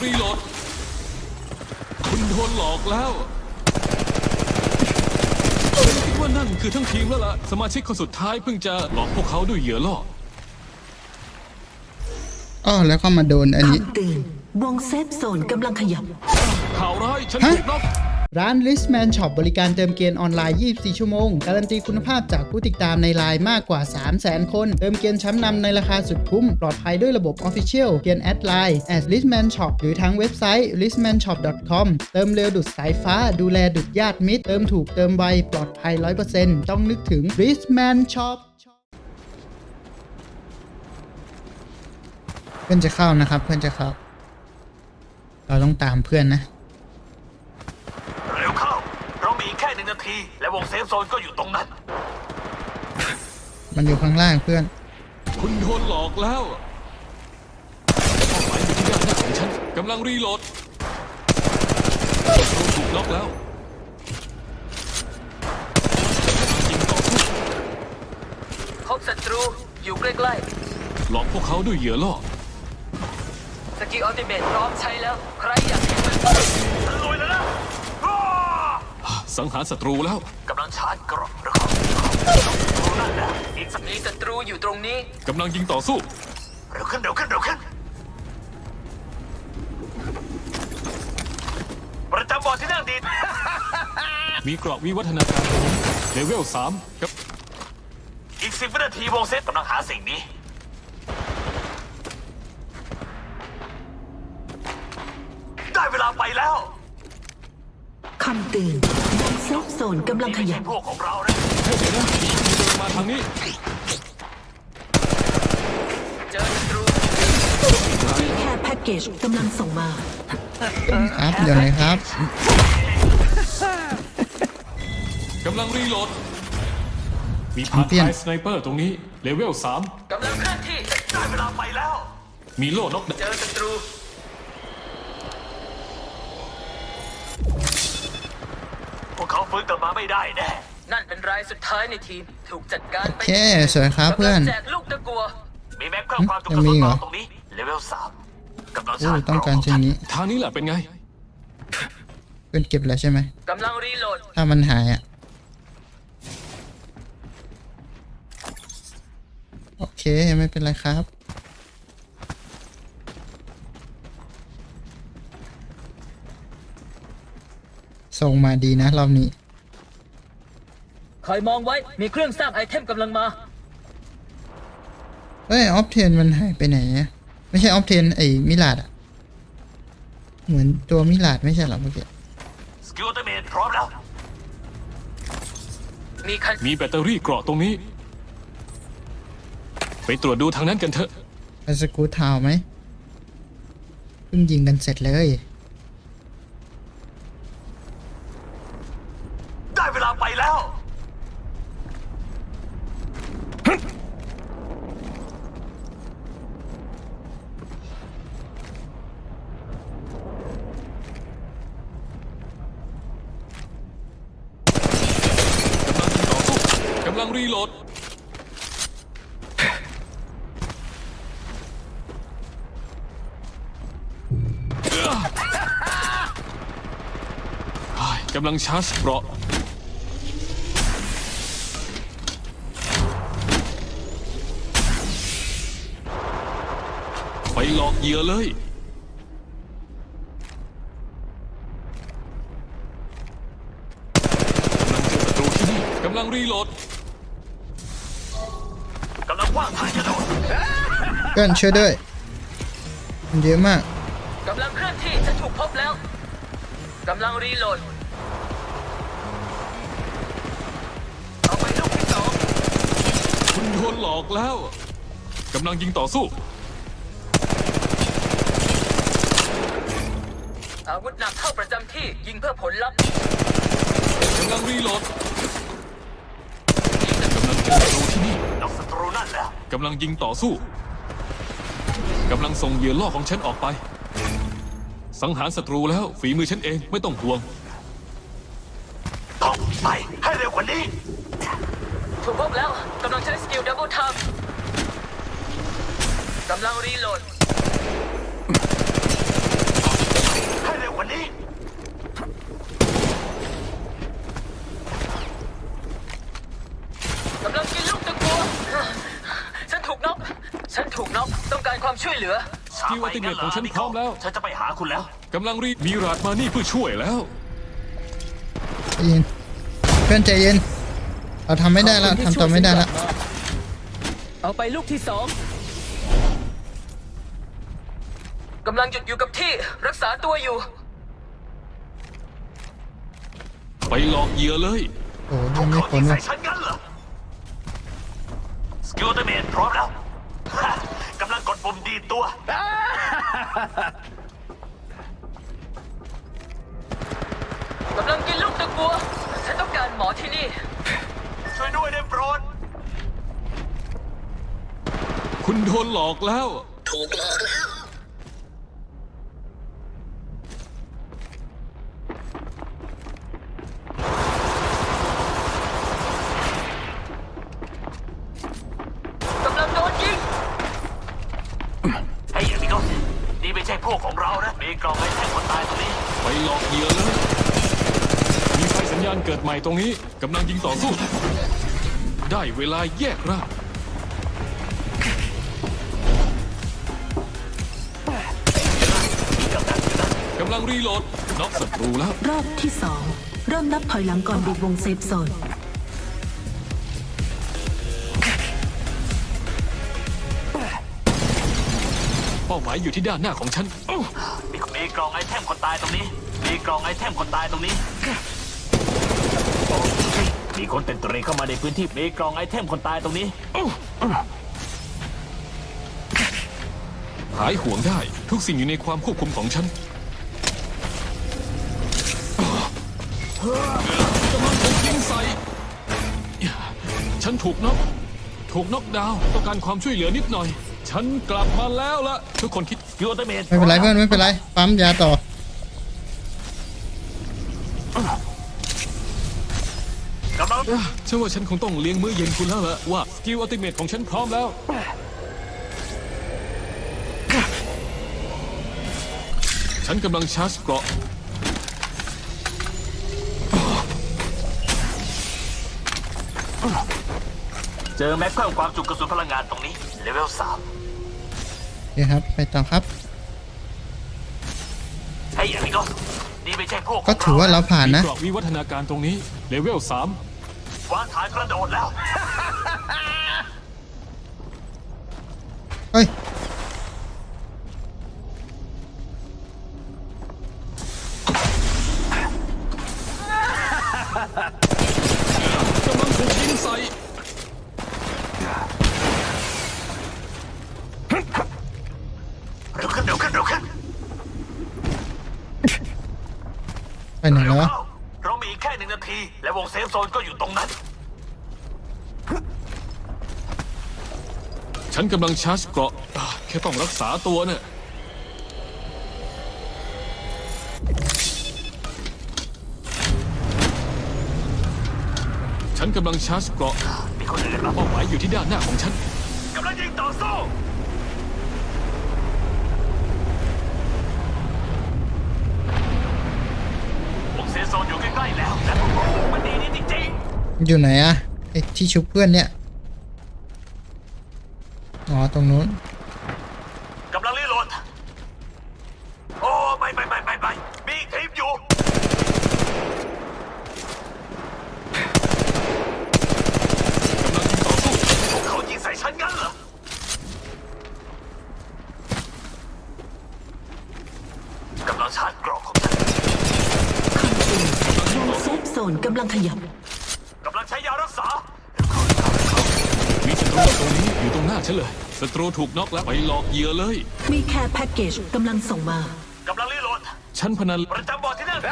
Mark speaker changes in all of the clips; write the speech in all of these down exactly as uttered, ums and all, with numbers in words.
Speaker 1: รีโหลดคุณโดนหลอกแล้วฉันคิดว่านั่นคือทั้งทีมแล้วล่ะสมาชิกคนสุดท้ายเพิ่งจะหลอกพวกเขาด้วยเหยื่อล่อ
Speaker 2: อ๋อแล้วก็มาโดนอันนี้
Speaker 3: คำเตือนวงเซฟโซนกำลังขยับ
Speaker 1: ข่าวร้ายฉันถูกน็อก
Speaker 2: ร้าน Listman Shop บริการเติมเกมออนไลน์ ยี่สิบสี่ ชั่วโมง การันตีคุณภาพจากผู้ติดตามในไลน์มากกว่า สามแสน คน เติมเกมชั้นนำในราคาสุดคุ้ม ปลอดภัยด้วยระบบ Official เพียงแอดไลน์ แอท Listman Shop หรือทางเว็บไซต์ ลิสต์แมนช็อป ดอท คอม เติมเร็วดุจสายฟ้า ดูแลดุจญาติมิตร เติมถูกเติมไว ปลอดภัย ร้อยเปอร์เซ็นต์ ต้องนึกถึง Listman Shop เพื่อนจะเข้านะครับเพื่อนจะเข้าเราต้องตามเพื่อนนะ
Speaker 4: เร็วเข้าเรามีแค่หนึ่งนาทีและวงเซฟโซนก็อยู่ตรงนั้น
Speaker 2: มันอยู่ข้างล่างเพื่อน
Speaker 1: คุณโดนหลอกแล้วเป้าหมายอยู่ที่ด้านหน้าของฉันกำลังรีโหลดถูกน็อกแล้วยิงต่อสู้
Speaker 5: พบศัตรูอยู่ใกล้
Speaker 1: ๆหลอกพวกเขาด้วยเหยื่อล่อ
Speaker 5: สกิลอัลติเมทพร้อมใช้แล้วใครอยากเห็นมัน
Speaker 4: ลุยแล้วนะ
Speaker 1: สังหารศัตรูแล้ว
Speaker 4: กำลังชาร์จกรอบหรือเขานั่นนะอีกสัก
Speaker 5: มีศัตรูอยู่ตรงนี้
Speaker 1: กำลังยิงต่อสู้
Speaker 4: เร็วขึ้นเร็วขึ้นเร็วขึ้นประจำบอร์ดที่นั่งดี
Speaker 1: มีกรอบวิวัฒนาการเลเวลสามกับ
Speaker 4: อีกสิบวินาทีวงเซฟกำลังหาสิ่งนี้ได้เวลาไปแล้ว
Speaker 3: คำเตือนวงเซฟโซนกำลังขยับ
Speaker 4: พวกของเรานะ
Speaker 1: เฮ้ยเดี๋ยวนะมีคนเดินมาทางนี้
Speaker 5: เจอศัตรู
Speaker 3: ที่แค่แพ็กเกจกำลังส่งมา
Speaker 2: ครับเดี๋ยวเลยครับ
Speaker 1: กำลังรีโหลดมีพาร์ทไฟสไนเปอร์ตรงนี้เลเวลสาม
Speaker 5: กำลังเคลื่อนที่
Speaker 4: ได้เวลาไปแล้ว
Speaker 1: มีโล่นก
Speaker 5: เจอศัตรู
Speaker 4: พวกเขาฟื้นกลับมาไม่ได้แน่
Speaker 5: นั่นเป็นรายสุดท้ายในทีมถูกจัดการ
Speaker 2: ไปโอเคสวยครับเพื่อน
Speaker 5: แจกลูกตะกัว
Speaker 4: มีแม็กเครื่องความจุกระสุนตรงนี้เลเวลสามกำลังชาร์จ
Speaker 2: ต้องการเช่นนี้
Speaker 1: ทางนี้แหละเป็นไง
Speaker 2: เพื่อนเก็บแล้วใช่ไหม
Speaker 5: กำลังรีโหลด
Speaker 2: ถ้ามันหายอ่ะโอเคไม่เป็นไรครับส่งมาดีนะรอบนี้
Speaker 5: คอยมองไว้มีเครื่องสร้างไอเทมกำลังมา
Speaker 2: เฮ้ยออฟเทนมันหายไปไหนอ่ะไม่ใช่ออฟเทนไอ้มิลาดอ่ะเหมือนตัวมิลาดไม่ใช่หรอเมื่อกี้
Speaker 4: สกิลอัลติเมทพร้อมแล้ว
Speaker 5: มีคัน
Speaker 1: มีแบตเตอรี่เกราะตรงนี้ไปตรวจดูทางนั้นกันเถอะ
Speaker 2: ไปสกู๊ตทาวไหมเพิ่งยิงกันเสร็จเลย
Speaker 4: ได้เวลาไปแล้ว
Speaker 1: กำลังรีโหลดกำลังชาร์จเกราะไปหลอกเหยื่อเลยกำลังเจอศัตรูที่นี่กำลังรีโหลด
Speaker 4: กำลังว่างทางกระโดด
Speaker 2: เพื่อนช่วยด้วยมันเยอะมาก
Speaker 5: กำลังเคลื่อนที่จะถูกพบแล้วกำลังรีโหลดเอาไปลูกที่สอง
Speaker 1: คุณโดนหลอกแล้วกำลังยิงต่อสู้
Speaker 5: อาวุธหนักเข้าประจำที่ยิงเพื่อผลลัพธ์
Speaker 1: กำลังรีโหลดกำลังเจอศัตรูที่นี่
Speaker 4: นอกศัตรูนั่นแล้ว
Speaker 1: กำลังยิงต่อสู้กำลังส่งเหยื่อล่อของฉันออกไปสังหารศัตรูแล้วฝีมือฉันเองไม่ต้องห่วง
Speaker 4: ต้องไปให้เร็วกว่านี้
Speaker 5: ถูกพบแล้วกำลังใช้สกิลดับเบิลทัมกำลังรีโหลดฉันถูกน็อกต้องการความช่วยเหลือ
Speaker 1: สกิลอัลติเมทของฉันพร้อมแล้ว
Speaker 4: ฉันจะไปหาคุณแล้ว
Speaker 1: กำลังรีมีราดมานี่เพื่อช่วยแล้ว
Speaker 2: ใจเย็นเพื่อนใจเย็นเราทำไม่ได้แล้วทำต่อไม่ได้แล้ว
Speaker 5: เอาไปลูกที่สองกำลังหยุดอยู่กับที่รักษาตัวอยู่
Speaker 1: ไปหลอกเหยื่อเลย
Speaker 2: โอ้ยังไม่
Speaker 4: เขา
Speaker 2: พ้
Speaker 4: ยิ
Speaker 2: น
Speaker 4: ง
Speaker 2: เล
Speaker 4: ใส่
Speaker 2: ย
Speaker 4: ฉันงั้นเหรอสกิลอัลติเมทพร้อมแล้ว กำลังกดปุ่มดีดตัว
Speaker 5: กำลังกินลูกตะกัว ฉันต้องการหมอที่นี่
Speaker 4: ช่วยด้วยได้โปรด
Speaker 1: คุณโดนหลอกแล้ว
Speaker 5: ถูกหลอกแล้ว กำลังโดนยิง
Speaker 4: ไอ้ยามิโกสนี่ไม่ใช่พวกของเรานะ มีกล่องไว้แทนคนตายตรงนี้
Speaker 1: ไปหลอกเหยื่อเลย มีไฟสัญญาณเกิดใหม่ตรงนี้กำลังยิงต่อสู้ ได้เวลาแยกร่างกำลังรีโหลดน็อกศัตรูแล้ว
Speaker 3: รอบที่สองเริ่มนับถอยหลังก่อนบีบวงเซฟโซน
Speaker 1: เป้าหมายอยู่ที่ด้านหน้าของฉัน
Speaker 4: มีมีกล่องไอเทมคนตายตรงนี้ มีกล่องไอเทมคนตายตรงนี้ มีคนเต็มตรีเข้ามาในพื้นที่ มีกล่องไอเทมคนตายตรงนี้
Speaker 1: หายห่วงได้ทุกสิ่งอยู่ในความควบคุมของฉันกำลังถูกยิงใส่ ฉันถูกน็อกถูกน็อกดาวน์ต้องการความช่วยเหลือนิดหน่อย ฉันกลับมาแล้วละทุกคนคิด
Speaker 4: ยูอัลติเมท
Speaker 2: ไม่เป็นไรเพื่อนไม่เป็นไรปั๊มยาต่อก
Speaker 4: ำลัง
Speaker 1: ฉันว่าฉันคงต้องเลี้ยงมื้อเย็นคุณแล้วละว่าสกิลอัลติเมทของฉันพร้อมแล้ว ฉันกำลังชาร์จเกราะ
Speaker 4: เจอแม็กเพิ่มความจุกระสุนพลังงานตรงนี้ เลเวลสาม
Speaker 2: โอเคครับไปต่อครับ
Speaker 4: ไอ้ยามิโกสนี่ไม่ใช่พวกขง
Speaker 2: ก็ถือว่าเราผ่าน
Speaker 1: มี
Speaker 2: นะ
Speaker 1: เกราะวิวัฒนาการตรงนี้เลเวลสาม
Speaker 4: วางฐานกระโดดแล้ว
Speaker 2: เฮ้ย
Speaker 1: กำลังถูกยิงใส่
Speaker 4: เร็วขึ้นเร็วขึ้นเร็วขึ้น
Speaker 2: ไปไหนแล้ววะ
Speaker 4: เรามีอีกแค่หนึ่งนาที และวงเซฟโซนก็อยู่ตรงนั้น
Speaker 1: ฉันกำลังชาร์จเกราะอ่ะแค่ต้องรักษาตัวเนี่ยฉันกำลังชาร์จเกราะ
Speaker 4: มีคนอื่นมา
Speaker 1: เป้าหมายอยู่ที่ด้านหน้าของฉัน
Speaker 4: กำลังยิงต่อสู้วงเซฟโซนอยู่ใกล้ๆแล้ว และพวกเรามันดีนี่จริง
Speaker 2: อยู่ไหนอะไอที่ชุบเพื่อนเนี่ยอ๋อตรงนู้น
Speaker 4: ๆกำลังรีโหลด โอ้ไม่ไม่ไม่ไม่ไม่มีอีกทีมอยู่
Speaker 1: กำลังยิงต่อสู้
Speaker 4: พวกเขายิงใส่ฉันงั้นเหรอ กำลังชาร์จกรอกของฉัน
Speaker 3: วงเซฟโซนกำลังขยับ
Speaker 4: กำลังใช้ยารักษา
Speaker 1: มีศัตรูตรงนี้อยู่ตรงหน้าฉันเลยศัตรูถูกน็อกแล้วไปหลอกเหยื่อเลย
Speaker 3: มีแคร์แพ็กเกจกำลังส่งมา
Speaker 4: กำลังรีโหลด
Speaker 1: ฉันพนัน
Speaker 4: ประจำบอร์ดที่นั่น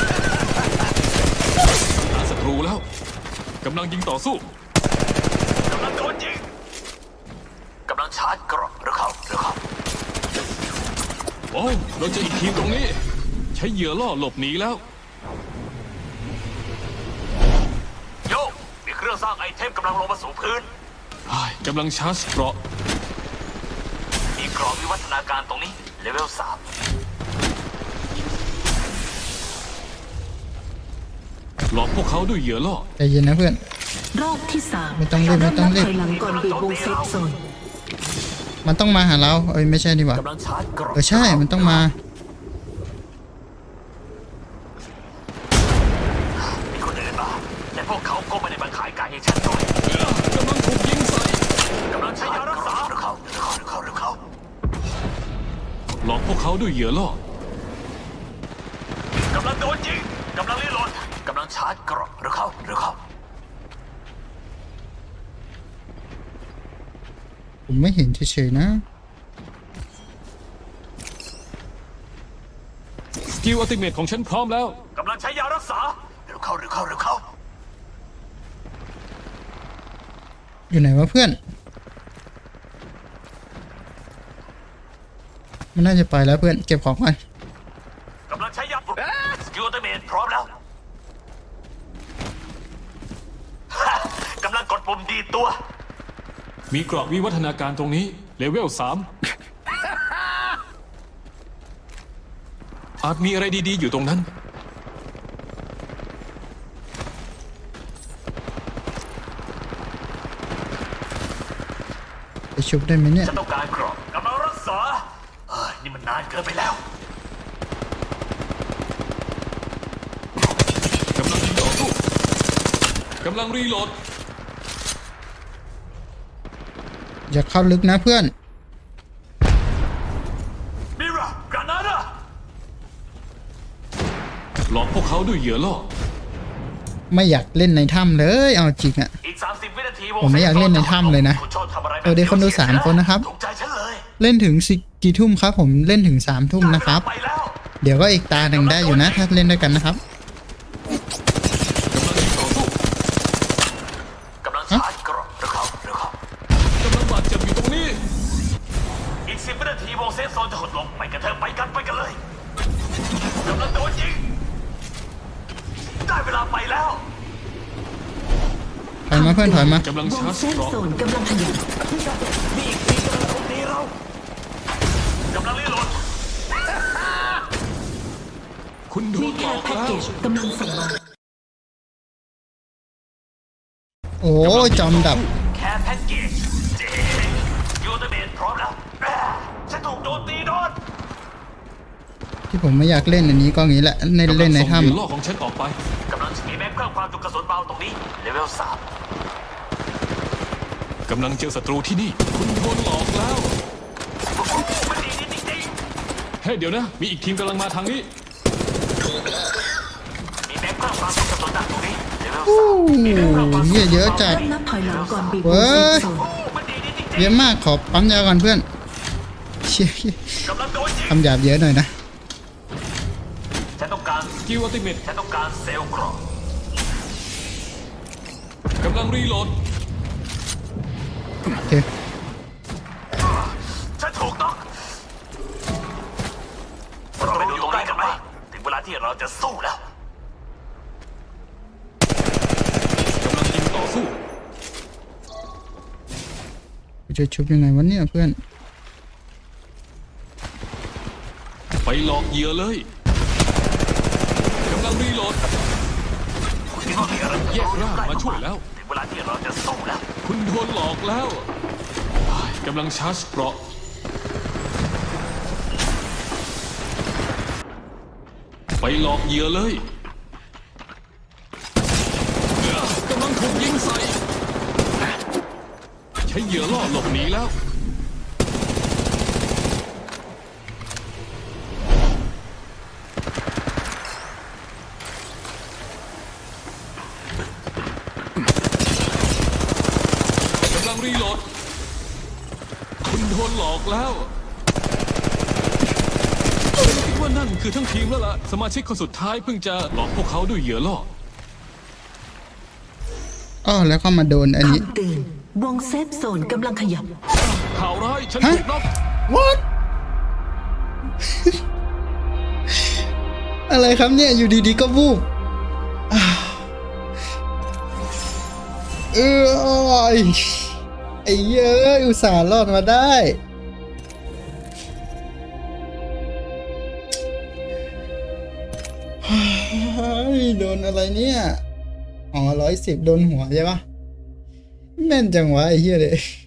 Speaker 1: หาศัตรูแล้วกำลังยิงต่อสู้
Speaker 4: กำลังโดนยิง กำลังชาร์จกรอกเร็วเข้าเร็วเข้า
Speaker 1: โอ้เราเจออีกทีมตรงนี้ ใช้เหยื่อล่อหลบหนีแล้ว
Speaker 4: โยกมีเครื่องสร้างไอเทมกำลังลงมาสู่พื้น
Speaker 1: อ้ายกำลังชาร์จเกราะ
Speaker 4: มีกรอบวิวัฒนาการตรงนี้ เลเวลสาม
Speaker 1: หลอกพวกเขาด้วยเหยื่อล่อ
Speaker 2: ใจเย็นนะเพื่อน
Speaker 3: รอบที่สาม
Speaker 2: ไม่ต้องรีบไม่
Speaker 3: เริ่ม
Speaker 2: ต้อ
Speaker 3: นั
Speaker 2: ง
Speaker 3: บ
Speaker 2: รีบ
Speaker 3: ถอยหลังก่อนบีบวงเซฟโซน
Speaker 2: มันต้องมาหาเราเอ้ยไม่ใช่ดีกว่าก
Speaker 4: ำลังชาร์จกรอบ
Speaker 2: เออใช่มันต้องมา
Speaker 4: มีคนอื่นมาแต่พวกเขาก็ไม่ได้มาขายไก่ให้ฉันด้วย
Speaker 1: กำลังถูกยิงใส่
Speaker 4: กำลังใช้ยารักษาหรือเขาหรือเขาหรือเขาหรือเขา
Speaker 1: หลอกพวกเขาด้วยเหยื่อล่อก
Speaker 4: ำลังโดนยิงกำลังรีโหลดกำลังชาร์จกรอบหรือเขาหรือเขา
Speaker 2: ผมไม่เห็นเฉยๆนะ
Speaker 1: สกิลอัลติเมทของฉันพร้อมแล้ว
Speaker 4: กำลังใช้ยารักษาหรือเขาหรือเขาหรือเขา
Speaker 2: อยู่ไหนวะเพื่อน มันน่าจะไปแล้วเพื่อนเก็บของก่อน
Speaker 4: กำลังใช้ยาสกิลอัลติเมทพร้อมแล้ว กำลังกดปุ่มดีตัว
Speaker 1: มีเกราะวิวัฒนาการตรงนี้เลเวลสามอาจมีอะไรดีๆอยู่ตรงนั้น
Speaker 2: ไปชุบได้ไหมเนี่ย
Speaker 4: ฉันต้องการกรอบกำลังรักษาเอ้ยนี่มันนานเกินไปแล้ว
Speaker 1: กำลังยิงต่อสู้กำลังรีโหลด
Speaker 2: อย่าเข้าลึกนะเพื่อน
Speaker 4: มิรากรานาดา
Speaker 1: หลอกพวกเขาด้วยเหยื่อล่อ
Speaker 2: ไม่อยากเล่นในถ้ำเลยเอาจริงอะ
Speaker 4: อีกสามสิบวินาทีวง
Speaker 2: ผมไม่อยากเล่นในถ้ำเลยนะ
Speaker 4: คุณชอบทำอะไรแบบ
Speaker 2: เออเดี๋ยวคนดูสามคนนะครับ
Speaker 4: ถูกใจฉันเลย
Speaker 2: เล่นถึงสิกี่ทุ่มครับ ผมเล่นถึงสามทุ่มนะครับ
Speaker 4: ไปแล้ว
Speaker 2: เดี๋ยวก็อีกตาหนึ่งได้อยู่นะ ถ้าเล่นด้วยกันนะครับ
Speaker 1: กำลังยิงต่อสู้
Speaker 4: กำลังชาร์จกรอบหรือเขาหรือเขา
Speaker 1: กำลังบาดเจ็บอยู่ตรงนี้
Speaker 4: อีกสิบวินาทีวงเซฟโซนจะหดลงไปกันเถอะไปกันไปกันเลยกำลังโดนยิงได้เวลาไปแล้ว
Speaker 2: ถอยมาเพื่อนถอยมา
Speaker 1: กำลัง
Speaker 3: ว
Speaker 1: ชาง ร์จ
Speaker 3: เซฟ
Speaker 1: เกราะ
Speaker 3: โซนกำลังขยับ
Speaker 4: มีอีกทีกำลังทุบตีเรากำลังรีโหลด
Speaker 1: คุณโด
Speaker 3: มี
Speaker 1: นห
Speaker 3: แค
Speaker 1: ลอ
Speaker 3: ร์
Speaker 1: ก
Speaker 3: แพ็ก
Speaker 1: แล้
Speaker 3: เก
Speaker 1: ว
Speaker 3: จกำลังส่งมา
Speaker 2: โอ้ยจอมดับ
Speaker 4: แค่แพ็กเกจเจ๋งยูเตเมนพร้อมแล้วอ่าฉันถูกโจมตีโดน
Speaker 2: ที่ผมไม่อยากเล่นอันนี้ก็งี้แหละใน
Speaker 1: กำลั
Speaker 2: เล่นใน
Speaker 1: ส่งเหยื่อ
Speaker 2: ถ้ำ
Speaker 1: ล่อของฉันออกไป
Speaker 4: กำลังมีแม็กเพิ่มความจุกระสุนเบาตรงนี้เลเวลสาม
Speaker 1: กำลังเจอศัตรูที่นี่ คุณโดนหลอกแล้ว
Speaker 4: มันดีจริง
Speaker 1: เฮ้ยเดี๋ยวนะ มีอีกทีมกำลังมาทางนี้
Speaker 4: ๆมีแม็กเพิ่มความจุกระสุนหนักตรงนี้เลเวล
Speaker 2: โอ้
Speaker 4: สาม
Speaker 2: โหเหี้ยเยอะจัด
Speaker 3: เริ่มนับถอยหลังก่อนบีบว
Speaker 2: เว้
Speaker 3: งเซฟ
Speaker 2: ย
Speaker 3: โซน
Speaker 4: มันดีจริง
Speaker 2: เยอะมากขอปั๊มยาก่อนเพื่อนเชี่ย
Speaker 4: ๆกำลังโดนยิง
Speaker 2: คำหยาบเยอะหน่อยนะ
Speaker 4: ฉันต้องการ
Speaker 1: สกิลอัลติเมท
Speaker 4: ฉันต้องการเซลล์กรอบ
Speaker 1: กำลังรีโหลด
Speaker 2: โอเค
Speaker 4: ฉันถูกต้องเราไปดูตรงนี้กันไหมถึงเวลาที่เราจะสู้แล้ว
Speaker 1: กำลังยิงต่อสู้
Speaker 2: กูจะชุบยังไงวะเนี่ยเพื่อน
Speaker 1: ไปหลอกเหยื่อเลย กำลังรีโหลด
Speaker 4: คิดว่ามีอะไร
Speaker 1: แยกร่างมาช่วยแล้ว
Speaker 4: ถึงเวลาที่เราจะสู้แล้ว
Speaker 1: คุณโดนหลอกแล้วกำลังชาร์จเกราะไปหลอกเหยื่อเลยกำลังถูกยิงใส่ ใช้เหยื่อล่อหลบหนีแล้ว กำลังรีโหลด คุณโดนหลอกแล้วฉันคิดว่านั่นคือทั้งทีมแล้วล่ะ สมาชิกคนสุดท้ายเพิ่งจะหลอกพวกเขาด้วยเหยื่อล่อ
Speaker 2: อ้อแล้วก็มาโดนอันนี้
Speaker 3: คำเตือนวงเซฟโซนกำลังขยับ
Speaker 1: ข่าวร้ายฉัน
Speaker 2: ฮะ
Speaker 1: ถูกน็อก
Speaker 2: what อะไรครับเนี่ยอยู่ดีๆก็วูบอ่าเออไอ้เย้ยอุตส่าห์รอดมาได้เฮ้ยโดนอะไรเนี่ยอ๋อร้อยสิบโดนหัวใช่ปะแม่นจังวะไอ้เหี้ยเลย